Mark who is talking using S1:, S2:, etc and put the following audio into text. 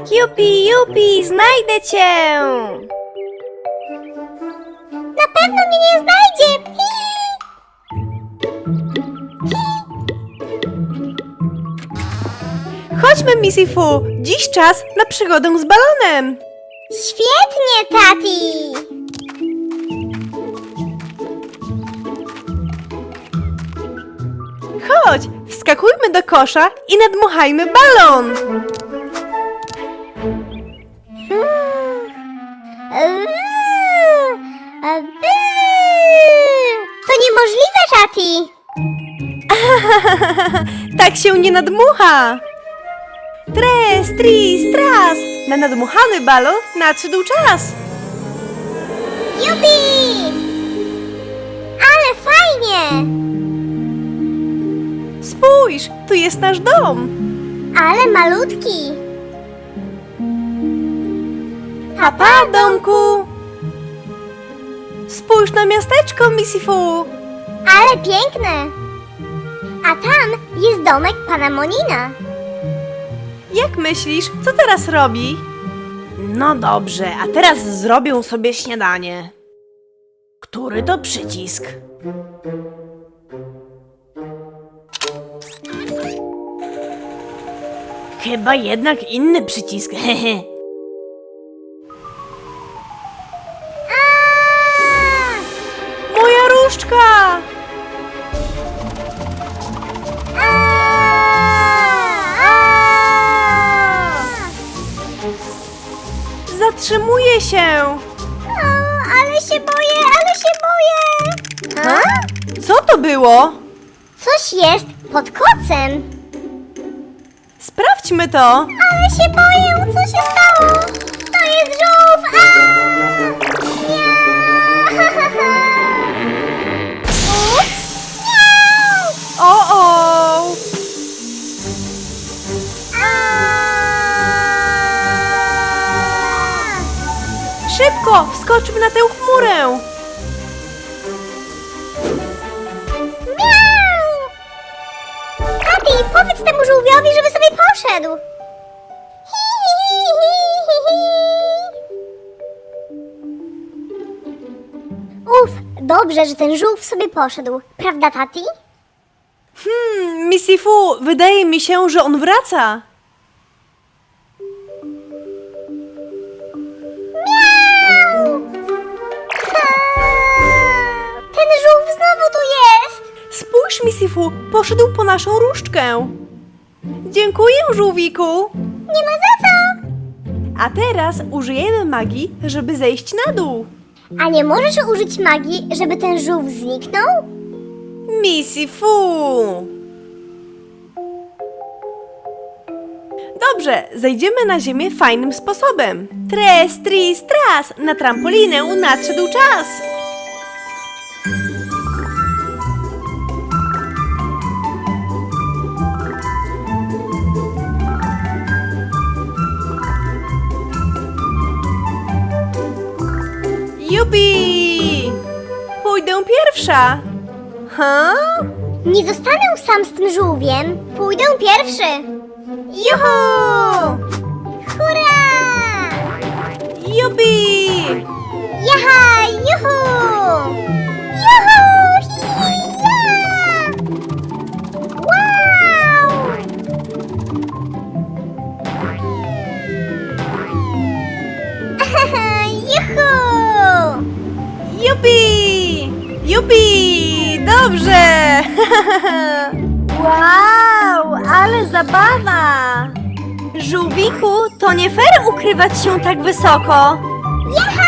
S1: Jupi, Jupi, znajdę cię!
S2: Na pewno mnie nie znajdzie!
S1: Chodźmy, Missy Fu! Dziś czas na przygodę z balonem!
S2: Świetnie, tati!
S1: Chodź, wskakujmy do kosza i nadmuchajmy balon!
S2: To niemożliwe, tati!
S1: Tak się nie nadmucha! Tres, tris, tras! Na nadmuchany balon nadszedł czas!
S2: Jupi! Ale fajnie!
S1: Spójrz, tu jest nasz dom!
S2: Ale malutki!
S1: Papa, domku! Spójrz na miasteczko, Missy Fu!
S2: Ale piękne! A tam jest domek pana Monina.
S1: Jak myślisz, co teraz robi? No dobrze, a teraz zrobię sobie śniadanie. Który to przycisk? Chyba jednak inny przycisk, hehe. Moja różdżka! Zatrzymuję się!
S2: Ale się boję, ale się boję! A?
S1: Co to było?
S2: Coś jest pod kocem.
S1: Sprawdźmy to!
S2: Ale się boję, co się stało? To jest żółw! Nie! Ups! Nie!
S1: O! Szybko, wskoczmy na tę chmurę!
S2: Miau! Tati, powiedz temu żółwiowi, żeby sobie poszedł. Hi, hi, hi, hi, hi. Uf, dobrze, że ten żółw sobie poszedł. Prawda, tati?
S1: Missy Fu, wydaje mi się, że on wraca.
S2: Miau! Ten żółw znowu tu jest!
S1: Spójrz, Missy Fu, poszedł po naszą różdżkę. Dziękuję, żółwiku.
S2: Nie ma za co!
S1: A teraz użyjemy magii, żeby zejść na dół.
S2: A nie możesz użyć magii, żeby ten żółw zniknął?
S1: Missy Fu. Dobrze, zejdziemy na ziemię fajnym sposobem. Tres, tris, tras, na trampolinę nadszedł czas. Jupi! Pójdę pierwsza. Ha?
S2: Nie zostanę sam z tym żółwiem. Pójdę pierwszy.
S1: Juhu!
S2: Hurra!
S1: Jupi!
S2: Jaha! Juhu! Juhu! Hi-ja! Wow! Juhu!
S1: Jupi! Jupi! Dobrze! Wow, ale zabawa! Żółwiku, to nie fair ukrywać się tak wysoko.
S2: Jaha!